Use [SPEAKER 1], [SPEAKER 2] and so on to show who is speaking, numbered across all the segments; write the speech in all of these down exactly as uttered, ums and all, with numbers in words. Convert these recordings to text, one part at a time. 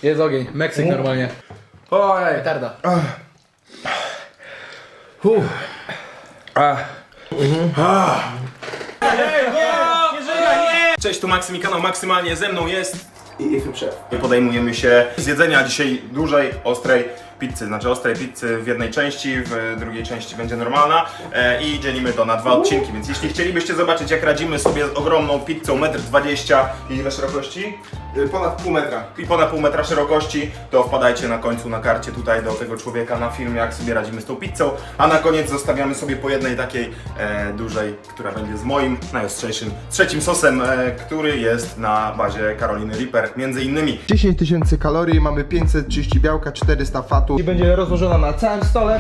[SPEAKER 1] Jest ogień, Meksyk normalnie.
[SPEAKER 2] Ojej.
[SPEAKER 1] Petarda.
[SPEAKER 2] Uff. Ah.
[SPEAKER 3] Cześć, tu Maksym i kanał Maksymalnie, ze mną jest i Szef. Podejmujemy się zjedzenia dzisiaj dużej, ostrej pizzy, znaczy ostrej pizzy w jednej części, w drugiej części będzie normalna e, i dzielimy to na dwa odcinki, więc jeśli chcielibyście zobaczyć, jak radzimy sobie z ogromną pizzą metr dwadzieścia i ile szerokości?
[SPEAKER 2] Ponad pół metra.
[SPEAKER 3] I ponad pół metra szerokości, to wpadajcie na końcu na karcie tutaj do tego człowieka na film, jak sobie radzimy z tą pizzą, a na koniec zostawiamy sobie po jednej takiej e, dużej, która będzie z moim najostrzejszym trzecim sosem, e, który jest na bazie Caroliny Reaper, między innymi.
[SPEAKER 2] dziesięć tysięcy kalorii, mamy pięćset trzydzieści białka, czterysta fatu. I będzie rozłożona na całym stole.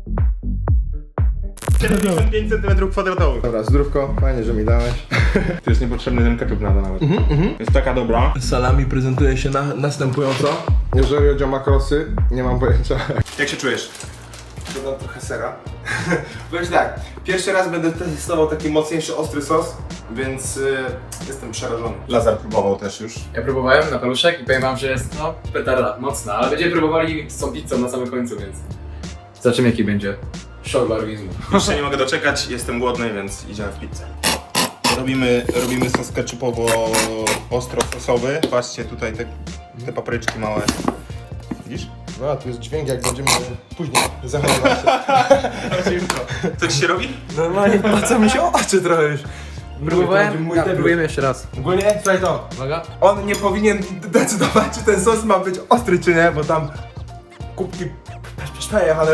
[SPEAKER 3] siedemdziesiąt pięć centymetrów kwadratowych.
[SPEAKER 2] Dobra, zdrówko, fajnie, że mi dałeś.
[SPEAKER 3] Tu jest niepotrzebny ten ketchup na to nawet. Jest taka dobra.
[SPEAKER 2] Salami prezentuje się na, następująco. Jeżeli chodzi o makrosy, nie mam pojęcia.
[SPEAKER 3] Jak się czujesz?
[SPEAKER 2] Dodam trochę sera. Powiem tak, pierwszy raz będę testował taki mocniejszy, ostry sos, więc y, jestem przerażony.
[SPEAKER 3] Lazar próbował też już.
[SPEAKER 1] Ja próbowałem na paluszek i powiem wam, że jest no petarda, mocna, ale będziemy próbowali z tą pizzą na samym końcu, więc zobaczymy jaki będzie szok dla organizmu.
[SPEAKER 3] Już się nie mogę doczekać, jestem głodny, więc idziemy w pizzę. Robimy, robimy sos ketchupowo ostro sosowy. Patrzcie tutaj te, te papryczki małe. Widzisz?
[SPEAKER 2] No, tu jest dźwięk, jak będziemy później zachowywać się.
[SPEAKER 3] Co ci się robi?
[SPEAKER 2] Normalnie, a co mi się oczy trochę już.
[SPEAKER 1] Próbowałem,
[SPEAKER 2] Mój
[SPEAKER 1] ja,
[SPEAKER 2] debiut.
[SPEAKER 1] próbujemy jeszcze raz.
[SPEAKER 2] Ogólnie, słuchaj to,
[SPEAKER 1] Uwaga.
[SPEAKER 2] on nie powinien decydować, czy ten sos ma być ostry, czy nie, bo tam kubki przejechały.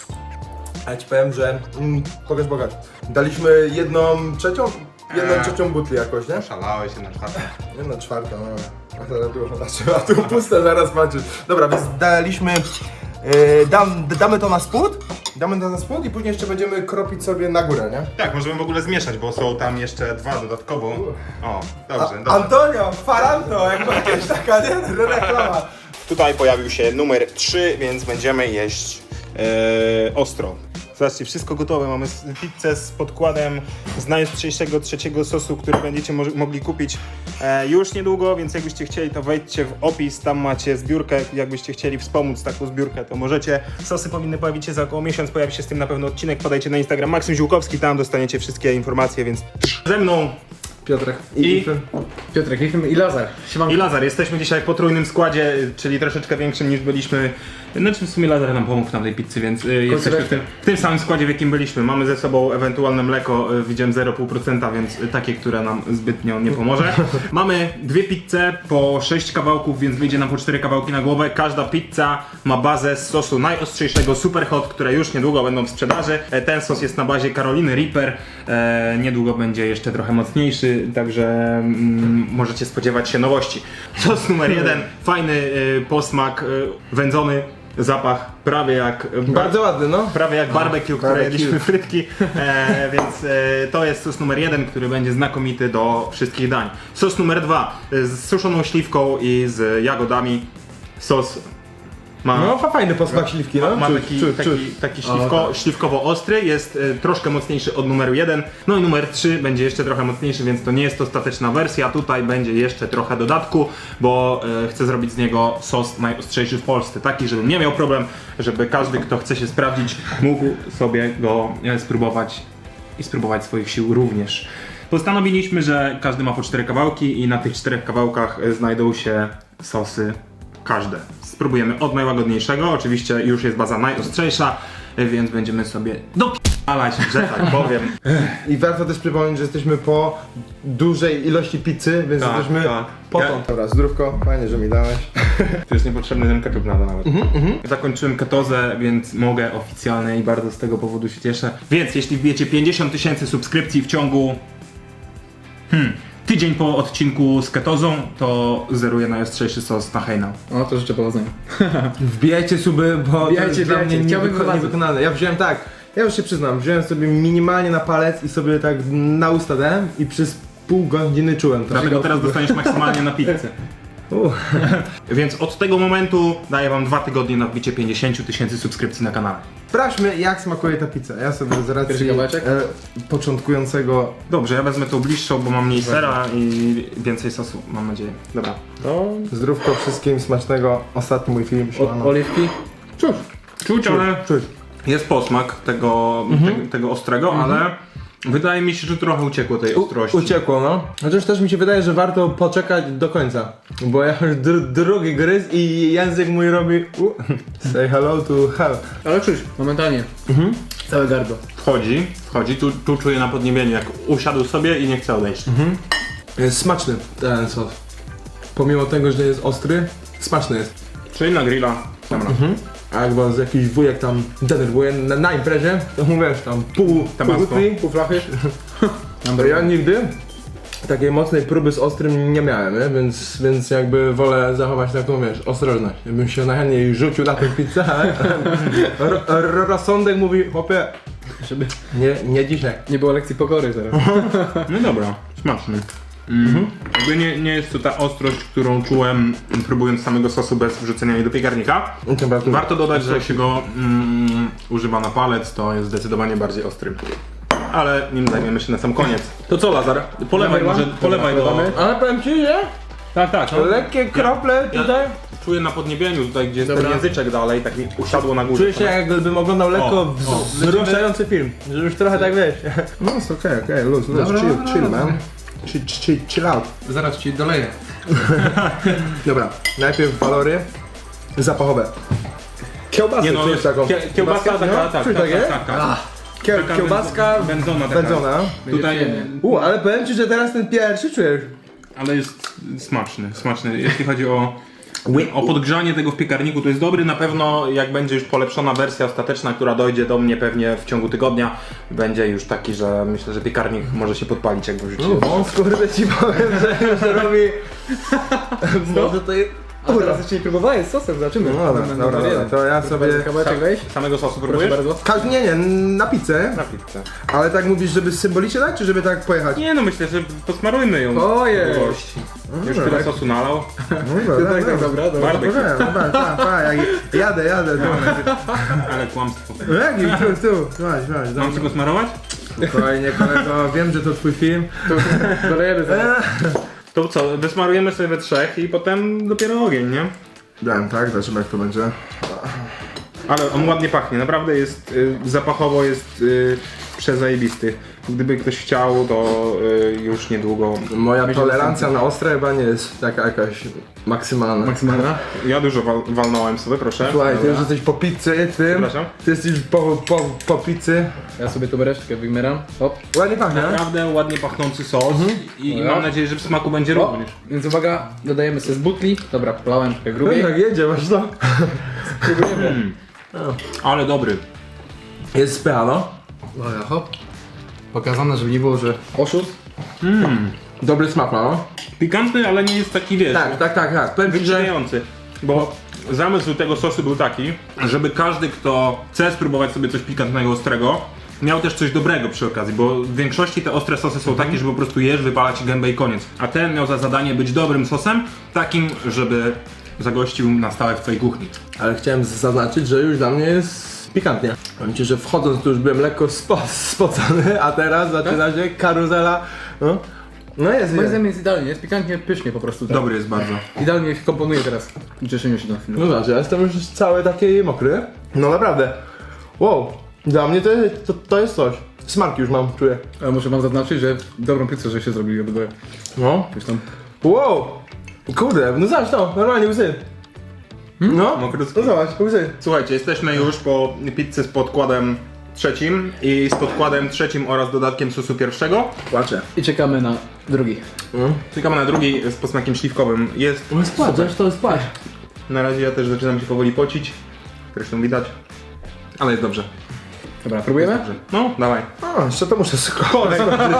[SPEAKER 2] Ale ci powiem, że mm, pokaż bogat. Daliśmy jedną trzecią, jedną
[SPEAKER 3] Eee.
[SPEAKER 2] trzecią butli jakoś, nie?
[SPEAKER 3] Szalałeś się na czwartą.
[SPEAKER 2] Jedna czwarta, no. A teraz było, znaczy, a tu puste, zaraz patrzysz. Dobra, więc daliśmy, yy, dam, damy to na spód, damy to na spód i później jeszcze będziemy kropić sobie na górę, nie?
[SPEAKER 3] Tak, możemy w ogóle zmieszać, bo są tam jeszcze dwa dodatkowo. O, dobrze,
[SPEAKER 2] A,
[SPEAKER 3] dobrze.
[SPEAKER 2] Antonio, Faranto, jak jakaś taka, nie? Reklama.
[SPEAKER 3] Tutaj pojawił się numer trzy, więc będziemy jeść e, ostro. Zobaczcie, wszystko gotowe. Mamy s- pizzę z podkładem z najostrzejszego trzeciego sosu, który będziecie mo- mogli kupić e, już niedługo, więc jakbyście chcieli, to wejdźcie w opis, tam macie zbiórkę. Jakbyście chcieli wspomóc taką zbiórkę, to możecie. Sosy powinny pojawić się za około miesiąc, pojawi się z tym na pewno odcinek. Podajcie na Instagram Maksym Ziółkowski, tam dostaniecie wszystkie informacje, więc ze mną
[SPEAKER 1] Piotrek.
[SPEAKER 3] I-
[SPEAKER 1] Piotrek Lichym i Lazar. Siemanko.
[SPEAKER 3] i Lazar. Jesteśmy dzisiaj w potrójnym składzie, czyli troszeczkę większym niż byliśmy. Znaczy w sumie Lazar nam pomógł na tej pizzy, więc y, jesteśmy w tym, w tym samym składzie, w jakim byliśmy. Mamy ze sobą ewentualne mleko, y, widziałem zero przecinek pięć procent, więc y, takie, które nam zbytnio nie pomoże. Mamy dwie pizze po sześć kawałków, więc wyjdzie nam po cztery kawałki na głowę. Każda pizza ma bazę z sosu najostrzejszego Super Hot, które już niedługo będą w sprzedaży. E, Ten sos jest na bazie Caroliny Reaper. E, niedługo będzie jeszcze trochę mocniejszy, także mm, możecie spodziewać się nowości. Sos numer jeden, fajny y, posmak, y, wędzony. Zapach prawie jak
[SPEAKER 2] Bardzo ładny, no.
[SPEAKER 3] prawie jak barbecue, które
[SPEAKER 2] barbecue.
[SPEAKER 3] jedliśmy frytki, e, więc e, to jest sos numer jeden, który będzie znakomity do wszystkich dań. Sos numer dwa e, z suszoną śliwką i z jagodami. Sos ma,
[SPEAKER 2] No, fa- fajny posmak śliwki, no.
[SPEAKER 3] ma
[SPEAKER 2] Czuć,
[SPEAKER 3] taki,
[SPEAKER 2] czuć,
[SPEAKER 3] taki,
[SPEAKER 2] czuć.
[SPEAKER 3] taki śliwko,
[SPEAKER 1] tak.
[SPEAKER 3] śliwkowo-ostry, jest e, troszkę mocniejszy od numeru jeden. No i numer trzy będzie jeszcze trochę mocniejszy, więc to nie jest ostateczna wersja. Tutaj będzie jeszcze trochę dodatku, bo e, chcę zrobić z niego sos najostrzejszy w Polsce. Taki, żebym nie miał problem, żeby każdy, kto chce się sprawdzić, mógł sobie go e, spróbować i spróbować swoich sił również. Postanowiliśmy, że każdy ma po cztery kawałki i na tych czterech kawałkach e, znajdą się sosy każde. Spróbujemy od najłagodniejszego, oczywiście już jest baza najostrzejsza, więc będziemy sobie dopalać, że tak powiem.
[SPEAKER 2] I warto też przypomnieć, że jesteśmy po dużej ilości pizzy, więc
[SPEAKER 3] Tak,
[SPEAKER 2] jesteśmy
[SPEAKER 3] tak.
[SPEAKER 2] potąd.
[SPEAKER 3] Ja-
[SPEAKER 2] Dobra, zdrówko, fajnie, że mi dałeś.
[SPEAKER 3] To jest niepotrzebny ten ketchup na to nawet. Zakończyłem ketozę, więc mogę oficjalnie i bardzo z tego powodu się cieszę. Więc jeśli wbijecie pięćdziesiąt tysięcy subskrypcji w ciągu hmm, tydzień po odcinku z ketozą, to zeruję najostrzejszy sos na hejnał.
[SPEAKER 1] O, to życzę powodzenia.
[SPEAKER 2] Wbijajcie suby, bo
[SPEAKER 1] Wbijajcie,
[SPEAKER 2] to jest dla
[SPEAKER 1] wbijajcie.
[SPEAKER 2] mnie
[SPEAKER 1] Chciałbym
[SPEAKER 2] niewyko-
[SPEAKER 1] bardzo.
[SPEAKER 2] niewykonalne. Ja wziąłem tak, ja już się przyznam, wziąłem sobie minimalnie na palec i sobie tak na usta dałem i przez pół godziny czułem to.
[SPEAKER 3] Dlatego teraz dostaniesz maksymalnie na pizzę.
[SPEAKER 2] Uh.
[SPEAKER 3] Więc od tego momentu daję wam dwa tygodnie na wbicie pięćdziesiąt tysięcy subskrypcji na kanale.
[SPEAKER 2] Sprawdźmy, jak smakuje ta pizza. Ja sobie z racji
[SPEAKER 1] Pierwszy kawałeczek?
[SPEAKER 2] e, początkującego...
[SPEAKER 3] Dobrze, ja wezmę tą bliższą, bo mam mniej sera i więcej sosu, mam nadzieję. Dobra.
[SPEAKER 2] No, zdrówko wszystkim, smacznego. Ostatni mój film.
[SPEAKER 1] O, oliwki?
[SPEAKER 2] Czuć,
[SPEAKER 3] Czuć, ale
[SPEAKER 2] czuć.
[SPEAKER 3] jest posmak tego, te, tego ostrego, ale wydaje mi się, że trochę uciekło tej ostrości.
[SPEAKER 2] Uciekło, no. Chociaż też mi się wydaje, że warto poczekać do końca. Bo ja już dr drugi gryz i język mój robi... U, say hello to hell.
[SPEAKER 1] Ale czuć, momentalnie. Mhm. Całe gardło.
[SPEAKER 3] Wchodzi, wchodzi, tu, tu czuję na podniebieniu, jak usiadł sobie i nie chce odejść.
[SPEAKER 2] Jest smaczny ten sos. Pomimo tego, że jest ostry, smaczny jest.
[SPEAKER 3] Czyli na grilla. Dobra.
[SPEAKER 2] A jak was jakiś wujek tam denerwuje na, na imprezie, to mówisz tam pół
[SPEAKER 3] Tabasco.
[SPEAKER 2] pół krwi,
[SPEAKER 1] Pół flachy?
[SPEAKER 2] ja nigdy takiej mocnej próby z ostrym nie miałem, nie? Więc, więc jakby wolę zachować taką, wiesz, ostrożność. Ja bym się najchętniej rzucił na tę pizzę, ale ro- ro- rozsądek mówi, chłopie,
[SPEAKER 1] Żeby
[SPEAKER 2] nie, nie dzisiaj.
[SPEAKER 1] nie było lekcji pokory zaraz.
[SPEAKER 3] No dobra, smaczny. Mhm. Jakby nie, nie jest to ta ostrość, którą czułem próbując samego sosu bez wrzucenia jej do piekarnika.
[SPEAKER 2] Temperatura.
[SPEAKER 3] Warto dodać, że jak się go mm, używa na palec, to jest zdecydowanie bardziej ostry. Ale nim zajmiemy się na sam koniec. To co, Lazar? Polewaj
[SPEAKER 1] Dawaj,
[SPEAKER 3] może,
[SPEAKER 1] Wan.
[SPEAKER 3] polewaj do...
[SPEAKER 1] Polewamy.
[SPEAKER 2] Ale powiem ci, że
[SPEAKER 3] Tak, tak. No.
[SPEAKER 2] lekkie krople
[SPEAKER 3] Ja
[SPEAKER 2] tutaj.
[SPEAKER 3] czuję na podniebieniu tutaj, gdzie jest
[SPEAKER 1] Dobra.
[SPEAKER 3] ten języczek dalej, tak mi usiadło na górze.
[SPEAKER 2] Czuję się jakbym oglądał lekko
[SPEAKER 3] O,
[SPEAKER 2] wz-
[SPEAKER 3] o.
[SPEAKER 2] wzruszający film, że już trochę tak wiesz. No jest okej, okej, luz, luz,
[SPEAKER 1] Dobra,
[SPEAKER 2] chill,
[SPEAKER 1] dobra,
[SPEAKER 2] chill
[SPEAKER 1] dobra.
[SPEAKER 2] man. Chill, chill, chill out.
[SPEAKER 1] Zaraz ci doleję.
[SPEAKER 2] Dobra, najpierw walory zapachowe. Kiełbasę
[SPEAKER 3] Nie no,
[SPEAKER 2] czujesz taką?
[SPEAKER 3] kie, kiełbasa taka,
[SPEAKER 2] No,
[SPEAKER 3] tak, tak,
[SPEAKER 2] czujesz
[SPEAKER 3] tak,
[SPEAKER 2] takie?
[SPEAKER 3] tak, tak.
[SPEAKER 1] Ah,
[SPEAKER 2] Kie,
[SPEAKER 3] Taka
[SPEAKER 2] kiełbaska
[SPEAKER 3] wędzona- wędzona taka.
[SPEAKER 2] wędzona.
[SPEAKER 3] Tutaj,
[SPEAKER 1] Będzie
[SPEAKER 2] U, ale powiem ci, że teraz ten pierwszy czujesz.
[SPEAKER 3] ale jest smaczny, smaczny. Jeśli chodzi o, o podgrzanie tego w piekarniku, to jest dobry. Na pewno jak będzie już polepszona wersja ostateczna, która dojdzie do mnie pewnie w ciągu tygodnia, będzie już taki, że myślę, że piekarnik może się podpalić, jak go wrzucimy.
[SPEAKER 2] O, kurde ci powiem, że już robi... Może to jest...
[SPEAKER 1] a teraz jeszcze nie próbowałem z sosem, zobaczymy.
[SPEAKER 2] No dobra, dobra, dobra, to ja sobie...
[SPEAKER 1] Kawałeczek weź.
[SPEAKER 3] Samego sosu
[SPEAKER 1] Proszę
[SPEAKER 3] próbujesz?
[SPEAKER 1] bardzo.
[SPEAKER 2] Ka- Nie, nie, na pizzę.
[SPEAKER 3] Na pizzę.
[SPEAKER 2] Ale tak mówisz, żeby symbolicznie dać, czy żeby tak pojechać?
[SPEAKER 3] Nie no, myślę, że posmarujmy ją.
[SPEAKER 1] Ojej.
[SPEAKER 3] do gości. Już
[SPEAKER 2] dobra.
[SPEAKER 3] tyle sosu nalał.
[SPEAKER 2] No dobra,
[SPEAKER 1] Tak, tak, dobra, dobra.
[SPEAKER 3] Barbecue.
[SPEAKER 2] Dobra, dobra, tak, tak, jak- jadę, jadę.
[SPEAKER 3] Ale kłamstwo.
[SPEAKER 2] No jaki, tu, tu, słuchaj, słuchaj,
[SPEAKER 3] Mam
[SPEAKER 2] dobra.
[SPEAKER 3] ci go smarować?
[SPEAKER 2] Spokojnie kolego, wiem, że to twój film.
[SPEAKER 1] Dolejemy zaraz.
[SPEAKER 3] To co, wysmarujemy sobie we trzech i potem dopiero ogień, nie?
[SPEAKER 2] Wiem, tak, zobaczymy jak to będzie.
[SPEAKER 3] Ale on ładnie pachnie, naprawdę jest, y, zapachowo jest y, przezajebisty. Gdyby ktoś chciał, to y, już niedługo.
[SPEAKER 2] Moja tolerancja na ostre chyba nie jest taka jakaś maksymalna.
[SPEAKER 1] Maksymalna.
[SPEAKER 3] Ja dużo wal, walnąłem sobie, proszę.
[SPEAKER 2] Słuchaj, ty już jesteś po pizzy, tym.
[SPEAKER 3] Przepraszam?
[SPEAKER 2] Ty jesteś po, po, po pizzy.
[SPEAKER 1] Ja sobie tu resztkę wymeram. Hop.
[SPEAKER 2] Ładnie pachnie.
[SPEAKER 3] Naprawdę ładnie pachnący sos i, i
[SPEAKER 1] Dobra.
[SPEAKER 3] mam nadzieję, że w smaku będzie
[SPEAKER 1] O,
[SPEAKER 3] również.
[SPEAKER 1] więc uwaga, dodajemy sobie z butli. Dobra, polałem trochę
[SPEAKER 2] No
[SPEAKER 1] grubiej.
[SPEAKER 2] jak jedzie, masz to.
[SPEAKER 1] Próbujemy.
[SPEAKER 3] Ale dobry.
[SPEAKER 2] Jest spycha, no.
[SPEAKER 1] Uwaga, hop. Pokazane, żeby nie było, że oszust.
[SPEAKER 2] Dobry smak ma, no.
[SPEAKER 3] Pikantny, ale nie jest taki, wiesz,
[SPEAKER 2] Tak, tak, tak, tak. Powiem ci, że...
[SPEAKER 3] wyczyniający. Bo zamysł tego sosu był taki, żeby każdy, kto chce spróbować sobie coś pikantnego, ostrego, miał też coś dobrego przy okazji, bo w większości te ostre sosy są takie, że po prostu jesz, wypala ci gębę i koniec. A ten miał za zadanie być dobrym sosem, takim, żeby zagościł na stałe w twojej kuchni.
[SPEAKER 2] Ale chciałem zaznaczyć, że już dla mnie jest pikantnie. Powiem ci, że wchodząc tu już byłem lekko spo, spocony, a teraz zaczyna się karuzela. No, no jest,
[SPEAKER 1] Moim
[SPEAKER 2] jest.
[SPEAKER 1] zdaniem jest idealnie, jest pikantnie, pysznie po prostu. Tak.
[SPEAKER 3] Dobry jest bardzo.
[SPEAKER 1] Idealnie się komponuje teraz. Cieszymy się na film.
[SPEAKER 2] No zobacz, ja jestem już cały taki mokry. No naprawdę. Wow, dla mnie to, to, to jest coś. Smarki już mam, czuję.
[SPEAKER 1] Ale muszę wam zaznaczyć, że dobrą pizzę, że się zrobili obydwoje.
[SPEAKER 2] No.
[SPEAKER 1] Coś tam.
[SPEAKER 2] Wow. Kurde, no zobacz to, normalnie łzy. No,
[SPEAKER 3] Mokrutki.
[SPEAKER 2] no zobacz, łzy.
[SPEAKER 3] Słuchajcie, jesteśmy już po pizzy z podkładem trzecim i z podkładem trzecim oraz dodatkiem sosu pierwszego.
[SPEAKER 2] Płaczę.
[SPEAKER 1] I czekamy na drugi.
[SPEAKER 3] Czekamy na drugi z posmakiem śliwkowym. Jest
[SPEAKER 2] No spłacz, to jest płacz.
[SPEAKER 3] Na razie ja też zaczynam się powoli pocić. Zresztą widać. Ale jest dobrze.
[SPEAKER 1] Dobra, próbujemy?
[SPEAKER 3] Dobrze. No, dawaj.
[SPEAKER 2] A, jeszcze to muszę skończyć.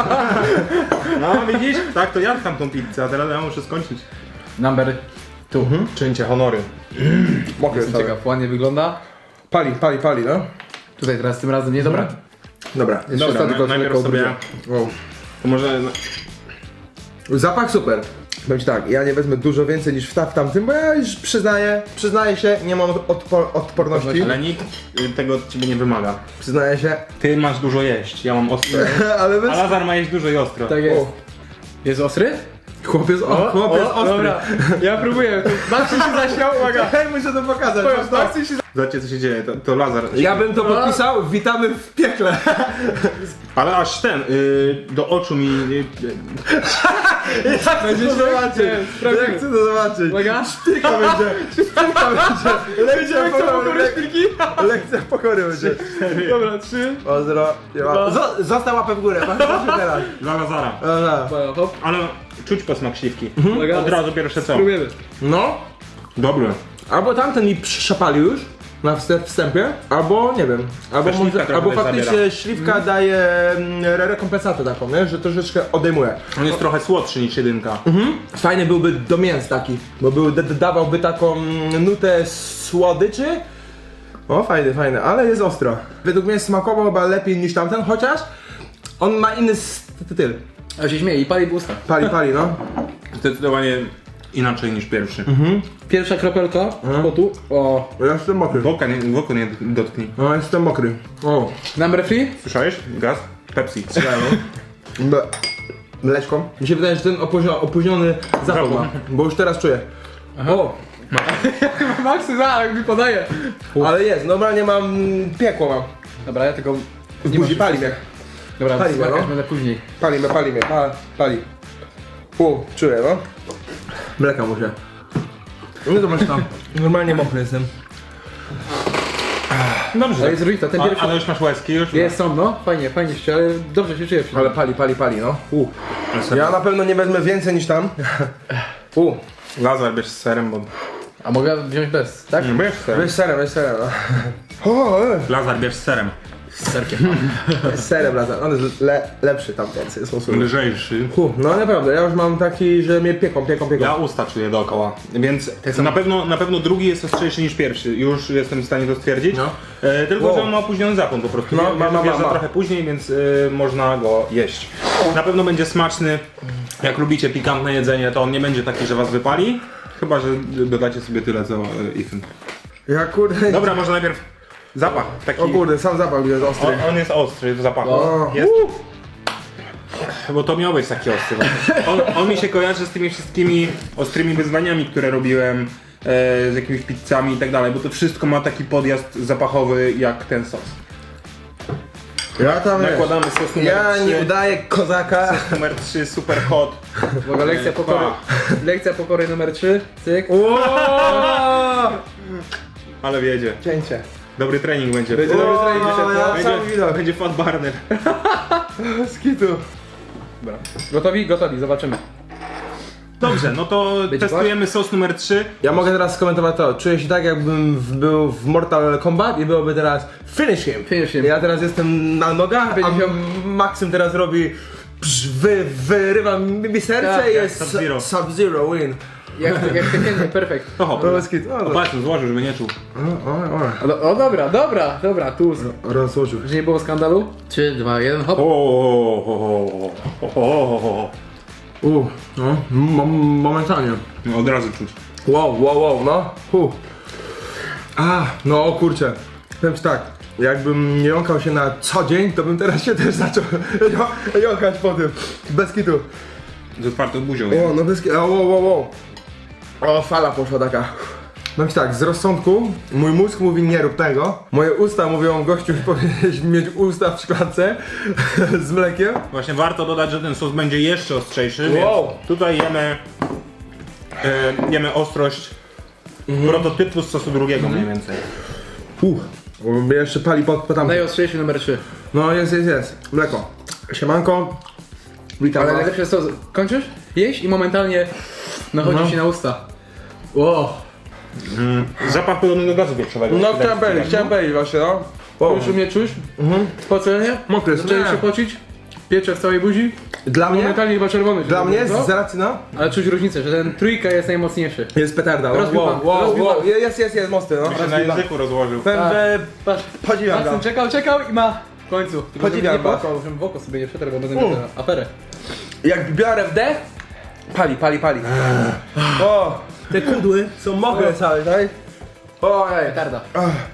[SPEAKER 3] No widzisz? Tak, to ja tam tą pizzę, a teraz ja muszę skończyć.
[SPEAKER 1] Number two.
[SPEAKER 3] Czyńcie honory.
[SPEAKER 2] Mokry jest
[SPEAKER 1] Jestem ciekaw, ładnie wygląda.
[SPEAKER 2] Pali, pali, pali, no.
[SPEAKER 1] Tutaj teraz tym razem nie, dobra.
[SPEAKER 2] Dobra.
[SPEAKER 1] Jeszcze
[SPEAKER 3] Dobra,
[SPEAKER 1] ostatni
[SPEAKER 3] na,
[SPEAKER 1] kostek
[SPEAKER 3] najpierw
[SPEAKER 1] lekko
[SPEAKER 3] sobie...
[SPEAKER 2] Wow.
[SPEAKER 3] To może...
[SPEAKER 2] Zapach super. Powiem ci tak, ja nie wezmę dużo więcej niż w, ta, w tamtym, bo ja już przyznaję, przyznaję się, nie mam odpor odporności.
[SPEAKER 3] Ale nikt y, tego od ciebie nie wymaga.
[SPEAKER 2] Przyznaję się,
[SPEAKER 3] Ty masz dużo jeść, ja mam ostro.
[SPEAKER 2] ale bez...
[SPEAKER 3] A Lazar ma jeść dużo i ostro.
[SPEAKER 1] Tak jest.
[SPEAKER 2] O.
[SPEAKER 1] Jest ostry?
[SPEAKER 2] Chłopiec, o, chłopiec ostry.
[SPEAKER 1] Dobra, ja próbuję. Maxi się zaśmiał, uwaga.
[SPEAKER 2] Hej, muszę to pokazać.
[SPEAKER 1] Powiem,
[SPEAKER 2] patrz to.
[SPEAKER 1] Maxi się
[SPEAKER 3] Zobaczcie co się dzieje, to, to Lazar.
[SPEAKER 2] Ja bym to podpisał, witamy w piekle.
[SPEAKER 3] Ale aż ten, y, do oczu mi... Y,
[SPEAKER 2] Jak
[SPEAKER 1] Będzie
[SPEAKER 2] chcę to
[SPEAKER 1] się-
[SPEAKER 2] zobaczyć?
[SPEAKER 1] nie, sprawdzimy.
[SPEAKER 2] Jak chcę to zobaczyć?
[SPEAKER 1] Uwaga.
[SPEAKER 2] Szpilka będzie. Szpilka będzie. Lekcja pokory.
[SPEAKER 1] szpilki?
[SPEAKER 2] Lekcja pokory będzie.
[SPEAKER 1] Dobra, trzy.
[SPEAKER 2] Pozdro. Zo- Został łapę w górę. Patrzmy teraz.
[SPEAKER 3] dla Lazara.
[SPEAKER 2] Dobra.
[SPEAKER 1] Uwaga, hop.
[SPEAKER 3] Ale czuć posmak śliwki.
[SPEAKER 1] Uwaga.
[SPEAKER 3] Od razu pierwsze co.
[SPEAKER 1] Próbujemy.
[SPEAKER 2] No.
[SPEAKER 3] Dobry.
[SPEAKER 2] Albo tamten mi przeszapalił już na wstęp- wstępie, albo nie wiem, albo,
[SPEAKER 3] Ta śliwka
[SPEAKER 2] może,
[SPEAKER 3] trochę
[SPEAKER 2] albo
[SPEAKER 3] też
[SPEAKER 2] faktycznie
[SPEAKER 3] zabiera.
[SPEAKER 2] śliwka daje mm, re- rekompensatę taką, nie? Że troszeczkę odejmuje.
[SPEAKER 3] On jest trochę słodszy niż jedynka.
[SPEAKER 2] Mhm. Fajny byłby do mięs taki, bo był, d- dawałby taką mm, nutę słodyczy. O, fajny, fajny, ale jest ostro. Według mnie smakował chyba lepiej niż tamten, chociaż on ma inny styl.
[SPEAKER 1] A się śmieje i pali w usta.
[SPEAKER 2] Pali, pali, no.
[SPEAKER 3] Zdecydowanie inaczej niż pierwszy.
[SPEAKER 1] Pierwsza kropelka potu. O.
[SPEAKER 2] Ja jestem mokry.
[SPEAKER 3] W oka nie, w oko nie dotknij.
[SPEAKER 2] No, jestem mokry. O.
[SPEAKER 1] Number three?
[SPEAKER 3] Słyszałeś? Gaz? Pepsi.
[SPEAKER 2] Ble. Mleczką. Mi się wydaje, że ten opóźniony, opóźniony zapach ma, bo już teraz czuję. O,
[SPEAKER 1] Maxy zaraz mi podaje.
[SPEAKER 2] ale jest, normalnie mam piekło mam.
[SPEAKER 1] Dobra, ja tylko...
[SPEAKER 2] W buzi pali mnie.
[SPEAKER 1] Dobra,
[SPEAKER 2] Pali mnie,
[SPEAKER 1] smakać
[SPEAKER 2] no.
[SPEAKER 1] będę później.
[SPEAKER 2] Pali mnie, pali mnie, pa, pali. U, czuję, no. Mleka muszę. No to masz tam. Normalnie mokry jestem.
[SPEAKER 3] Dobrze.
[SPEAKER 1] Ale jest różnica, ten
[SPEAKER 3] A,
[SPEAKER 1] pierwszy...
[SPEAKER 3] ale już masz łezki, już?
[SPEAKER 1] Jest, są, no. Fajnie, fajnie się, ale dobrze się czuję.
[SPEAKER 2] Ale pali, pali, pali, no. U.
[SPEAKER 3] Ale sobie-
[SPEAKER 2] Ja na pewno nie wezmę więcej niż tam. U.
[SPEAKER 3] Lazar bierz z serem, bo...
[SPEAKER 1] A mogę wziąć bez, tak?
[SPEAKER 3] Nie, bierz z serem.
[SPEAKER 2] Weź serem, weź serem, no. O, e.
[SPEAKER 3] Lazar bierz z serem.
[SPEAKER 1] Z serkiem.
[SPEAKER 2] Z serem razem, on jest le, lepszy tamten sposób.
[SPEAKER 3] Lżejszy.
[SPEAKER 2] Hu, no naprawdę, ja już mam taki, że mnie pieką, pieką, pieką.
[SPEAKER 3] Ja usta czuję dookoła, więc na pewno, na pewno drugi jest ostrzejszy niż pierwszy. Już jestem w stanie to stwierdzić.
[SPEAKER 2] No.
[SPEAKER 3] E, tylko,
[SPEAKER 2] Wow.
[SPEAKER 3] że on ma opóźniony zapłon po prostu.
[SPEAKER 2] No,
[SPEAKER 3] No,
[SPEAKER 2] ma, ma, ma, ma.
[SPEAKER 3] trochę później, więc y, można go jeść. Na pewno będzie smaczny. Jak lubicie pikantne jedzenie, to on nie będzie taki, że was wypali. Chyba, że dodacie sobie tyle co y, Ethan.
[SPEAKER 2] Ja kurde...
[SPEAKER 3] Dobra, może najpierw zapach. Taki,
[SPEAKER 2] O kurde, sam zapach jest ostry.
[SPEAKER 3] on, on jest ostry w zapachu.
[SPEAKER 2] O.
[SPEAKER 3] Jest, bo to miał być taki ostry. właśnie. On, on mi się kojarzy z tymi wszystkimi ostrymi wyzwaniami, które robiłem, e, z jakimiś pizzami i tak dalej, bo to wszystko ma taki podjazd zapachowy jak ten sos.
[SPEAKER 2] Ja tam wiesz,
[SPEAKER 3] Nakładamy sos numer
[SPEAKER 2] ja
[SPEAKER 3] trzy.
[SPEAKER 2] nie udaję kozaka.
[SPEAKER 3] Numer trzy, super hot.
[SPEAKER 1] Uwaga, lekcja pokory. Lekcja pokory numer trzy. Cyk.
[SPEAKER 3] Ale wiedzie.
[SPEAKER 2] Cięcie.
[SPEAKER 3] Dobry trening będzie.
[SPEAKER 1] Będzie dobry trening
[SPEAKER 2] O,
[SPEAKER 1] dzisiaj,
[SPEAKER 2] ja
[SPEAKER 1] no.
[SPEAKER 2] sam
[SPEAKER 3] Będzie,
[SPEAKER 2] widok.
[SPEAKER 3] będzie fat burner.
[SPEAKER 2] Skitu.
[SPEAKER 1] Dobra. Gotowi? Gotowi, zobaczymy.
[SPEAKER 3] Dobrze, no to
[SPEAKER 1] Będzie
[SPEAKER 3] testujemy sos numer trzy.
[SPEAKER 2] Ja mogę teraz skomentować to. Czuję się tak, jakbym w, był w Mortal Kombat i byłoby teraz finish him.
[SPEAKER 1] Finish him.
[SPEAKER 2] Ja teraz jestem na nogach,
[SPEAKER 1] Będzie
[SPEAKER 2] a
[SPEAKER 1] miał-
[SPEAKER 2] Maksym teraz robi psz, wy, wyrywa mi mi serce
[SPEAKER 1] Tak,
[SPEAKER 2] i
[SPEAKER 1] jak
[SPEAKER 2] jest
[SPEAKER 3] Sub-Zero.
[SPEAKER 2] Sub-Zero win.
[SPEAKER 1] Jak, jak Tekken, perfekt.
[SPEAKER 3] Oho,
[SPEAKER 2] To jest kit. O,
[SPEAKER 3] o, patrz, złożył, żeby nie czuł.
[SPEAKER 2] o, o,
[SPEAKER 1] O, do- o dobra, dobra, dobra, tu.
[SPEAKER 2] o. Rozłożył.
[SPEAKER 1] Że nie było skandalu? trzy, dwa, jeden, hop.
[SPEAKER 3] O, o, o, o, o, o.
[SPEAKER 2] U, no, mo- momentalnie.
[SPEAKER 3] No, od razu czuć.
[SPEAKER 2] Wow, wow, wow, no. Hu. A, no o kurczę. Powiem ci tak, jakbym nie jąkał się na co dzień, to bym teraz się też zaczął ją- jąkać po tym. Bez kitu.
[SPEAKER 3] Z otwartą buzią.
[SPEAKER 2] O, no bez kitu. O, wow, wow, wow. O, fala poszła taka. Powiem ci tak, z rozsądku mój mózg mówi nie rób tego. Moje usta mówią gościu powinieneś mieć usta w szklance z mlekiem.
[SPEAKER 3] Właśnie warto dodać, że ten sos będzie jeszcze ostrzejszy,
[SPEAKER 2] Wow.
[SPEAKER 3] więc tutaj jemy, e, jemy ostrość prototypu z sosu drugiego mniej więcej.
[SPEAKER 2] Uff, mnie jeszcze pali pod, pod tam.
[SPEAKER 1] Najostrzejszy numer trzy.
[SPEAKER 2] No jest, jest, jest. Mleko. Siemanko. Witam
[SPEAKER 1] Ale
[SPEAKER 2] was.
[SPEAKER 1] najlepsze jest to, kończysz? Jeść i momentalnie nachodzi
[SPEAKER 2] No.
[SPEAKER 1] ci na usta. Wow.
[SPEAKER 3] Mm, zapach podobny do gazu wieprzowego.
[SPEAKER 2] No chciałem powiedzieć, chciałem powiedzieć właśnie, no. Wow.
[SPEAKER 1] Już umie czuć?
[SPEAKER 2] Mhm.
[SPEAKER 1] Spocenie?
[SPEAKER 2] Mokry jest,
[SPEAKER 1] Zaczęli
[SPEAKER 2] nie.
[SPEAKER 1] się pocić? Piecze w całej buzi?
[SPEAKER 2] Dla mnie,
[SPEAKER 1] Momentalnie chyba czerwony. się
[SPEAKER 2] dla mnie
[SPEAKER 1] zrobił,
[SPEAKER 2] z
[SPEAKER 1] co?
[SPEAKER 2] racji no,
[SPEAKER 1] Ale czuć różnicę, że ten trójka jest najmocniejszy.
[SPEAKER 2] jest petarda. No.
[SPEAKER 1] Rozbił
[SPEAKER 2] Wow,
[SPEAKER 1] pan,
[SPEAKER 2] wow,
[SPEAKER 1] rozbił
[SPEAKER 2] wow.
[SPEAKER 1] pan.
[SPEAKER 2] Jest, jest, jest mocny, no.
[SPEAKER 3] Mi się na języku rozłożył.
[SPEAKER 2] Powiem,
[SPEAKER 1] Tak.
[SPEAKER 2] że
[SPEAKER 1] Patrz,
[SPEAKER 2] podziwiam
[SPEAKER 1] Maksym
[SPEAKER 2] go.
[SPEAKER 1] czekał, czekał i ma w końcu.
[SPEAKER 2] Podziwiam
[SPEAKER 1] nie w
[SPEAKER 2] was.
[SPEAKER 1] oko, żebym w oko sobie nie przetarł, bo będę
[SPEAKER 2] U.
[SPEAKER 1] miał tę aferę.
[SPEAKER 2] Jak biorę wdech, Pali, pali, pali. O, te kudły są mokre całe, tak? Ojej.
[SPEAKER 1] Petarda.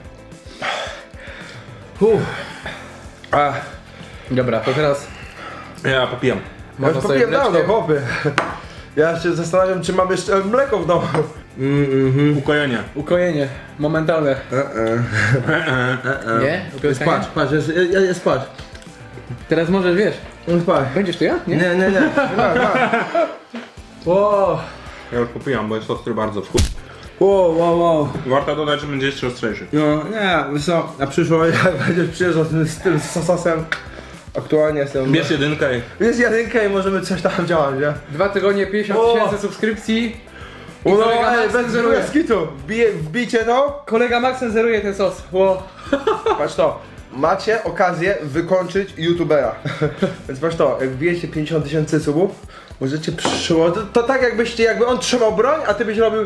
[SPEAKER 2] Uff. Ach.
[SPEAKER 1] Dobra, to teraz
[SPEAKER 3] Ja popijam.
[SPEAKER 2] Ja już
[SPEAKER 1] można sobie
[SPEAKER 2] popiłem dawno,
[SPEAKER 1] wleczkę.
[SPEAKER 2] chłopie. Ja się zastanawiam, czy mam jeszcze mleko w domu. Mm, mhm.
[SPEAKER 3] Ukojenie.
[SPEAKER 1] Ukojenie, momentalne. Nie?
[SPEAKER 2] Jest
[SPEAKER 1] Upioskanie?
[SPEAKER 2] patrz, patrz, jest, jest, jest patrz.
[SPEAKER 1] Teraz możesz, wiesz,
[SPEAKER 2] Jest patrz.
[SPEAKER 1] będziesz tu ja? Nie?
[SPEAKER 2] Nie, nie, nie. Ma, ma. Wow.
[SPEAKER 3] Ja już popijam, bo jest ostry bardzo.
[SPEAKER 2] Wow, wow, wow.
[SPEAKER 3] Warto dodać, że będzie jeszcze ostrzejszy.
[SPEAKER 2] No nie, wiesz co, na przyszłość jak będziesz przyjeżdżał z tym, z tym sosem, aktualnie jestem...
[SPEAKER 3] Bierz jedynkę i...
[SPEAKER 2] Jest jedynka i możemy coś tam działać, nie?
[SPEAKER 1] Dwa tygodnie, pięćdziesiąt
[SPEAKER 2] O!
[SPEAKER 1] tysięcy subskrypcji. I
[SPEAKER 2] No,
[SPEAKER 1] kolega
[SPEAKER 2] ej,
[SPEAKER 1] Max
[SPEAKER 2] bez
[SPEAKER 1] cenzuruje.
[SPEAKER 2] bez kitu. Wbije, wbijcie to,
[SPEAKER 1] Kolega Max cenzuruje ten sos. Ło.
[SPEAKER 2] patrz to. Macie okazję wykończyć youtubera. Więc patrz to, jak wbijecie pięćdziesiąt tysięcy subów, możecie przyłożyć. To, to tak jakbyście, jakby on trzymał broń, a ty byś robił...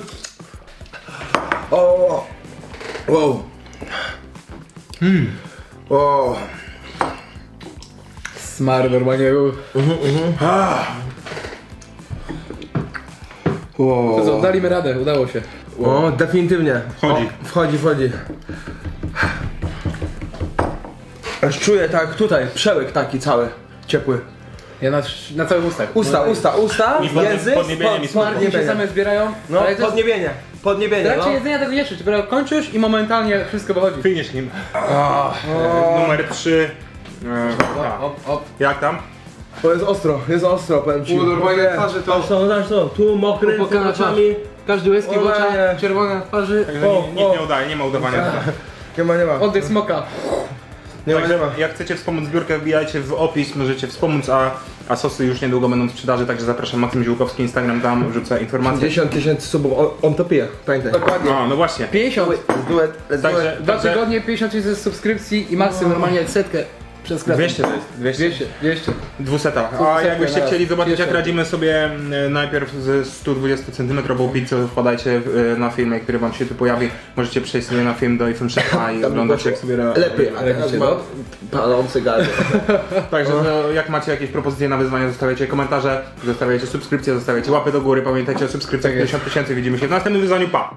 [SPEAKER 2] O, wow. Hmm. O.
[SPEAKER 1] Smar normalnie był.
[SPEAKER 2] Wow.
[SPEAKER 1] To co, daliśmy radę, udało się.
[SPEAKER 2] O, definitywnie.
[SPEAKER 3] Wchodzi.
[SPEAKER 2] O, wchodzi, wchodzi. Aż czuję tak tutaj, przełyk taki cały, ciepły.
[SPEAKER 1] Ja na, na całych ustach.
[SPEAKER 2] Usta,
[SPEAKER 1] No,
[SPEAKER 2] usta, usta,
[SPEAKER 3] I pod-
[SPEAKER 2] język,
[SPEAKER 3] podniebienie mi smakuje.
[SPEAKER 1] Smarki się
[SPEAKER 2] podniebienie.
[SPEAKER 1] same zbierają.
[SPEAKER 2] No,
[SPEAKER 1] ale to jest,
[SPEAKER 2] podniebienie,
[SPEAKER 1] w
[SPEAKER 2] podniebienie,
[SPEAKER 1] trakcie
[SPEAKER 2] no.
[SPEAKER 1] jedzenia tego nie czuć, dopiero kończysz i momentalnie wszystko wychodzi.
[SPEAKER 3] Finish nim. Numer trzy.
[SPEAKER 1] Op, op, op.
[SPEAKER 3] Jak tam?
[SPEAKER 2] To jest ostro, jest ostro, powiem ci.
[SPEAKER 1] U, normalnie
[SPEAKER 2] Nie.
[SPEAKER 1] twarzy to-
[SPEAKER 2] Patrz to, patrz to, tu mokry, tu
[SPEAKER 1] Pokana twarz.
[SPEAKER 2] oczami.
[SPEAKER 1] Każdy łezki w
[SPEAKER 2] O,
[SPEAKER 1] oczach,
[SPEAKER 2] nie.
[SPEAKER 1] czerwone na twarzy.
[SPEAKER 3] Także
[SPEAKER 2] O,
[SPEAKER 3] nic
[SPEAKER 2] o.
[SPEAKER 3] nie udaje, nie ma udawania.
[SPEAKER 2] Nie ma, nie ma,
[SPEAKER 1] Oddech smoka.
[SPEAKER 2] nie ma, nie
[SPEAKER 3] Także
[SPEAKER 2] ma.
[SPEAKER 3] jak chcecie wspomóc zbiórkę, wbijajcie w opis, możecie wspomóc, a, a sosy już niedługo będą w sprzedaży, także zapraszam Maksym Ziółkowski, Instagram, tam wrzucę informacje.
[SPEAKER 2] pięćdziesiąt tysięcy subów, on, on to pije, pamiętaj.
[SPEAKER 1] Dokładnie.
[SPEAKER 3] No, no właśnie.
[SPEAKER 1] pięćdziesiąt.
[SPEAKER 2] Let's do it, let's do
[SPEAKER 3] Także,
[SPEAKER 2] it.
[SPEAKER 1] Dwa
[SPEAKER 3] także
[SPEAKER 1] tygodnie, pięćdziesiąt tysięcy subskrypcji i Maksym normalnie setkę przez klatę.
[SPEAKER 3] dwieście to jest, dwieście.
[SPEAKER 1] dwieście, dwieście.
[SPEAKER 3] Dwuseta. A
[SPEAKER 1] Dwusetkę
[SPEAKER 3] jakbyście
[SPEAKER 1] na
[SPEAKER 3] chcieli
[SPEAKER 1] raz.
[SPEAKER 3] zobaczyć, jak
[SPEAKER 1] Pierwsza.
[SPEAKER 3] radzimy sobie mm, najpierw ze sto dwudziestu centymetrową pizzą, wpadajcie y, na filmie, który wam się tu pojawi. Możecie przejść sobie na film do iPhone Szefa i oglądać, jak sobie ra-
[SPEAKER 2] Lepiej, ale
[SPEAKER 1] Radzicie,
[SPEAKER 2] ma
[SPEAKER 1] no?
[SPEAKER 2] palący gardło.
[SPEAKER 3] Także no, jak macie jakieś propozycje na wyzwania, zostawiajcie komentarze, zostawiajcie subskrypcje, zostawiajcie łapy do góry. Pamiętajcie o subskrypcjach
[SPEAKER 1] Tak jest.
[SPEAKER 3] pięćdziesiąt tysięcy. Widzimy się w następnym wyzwaniu. Pa!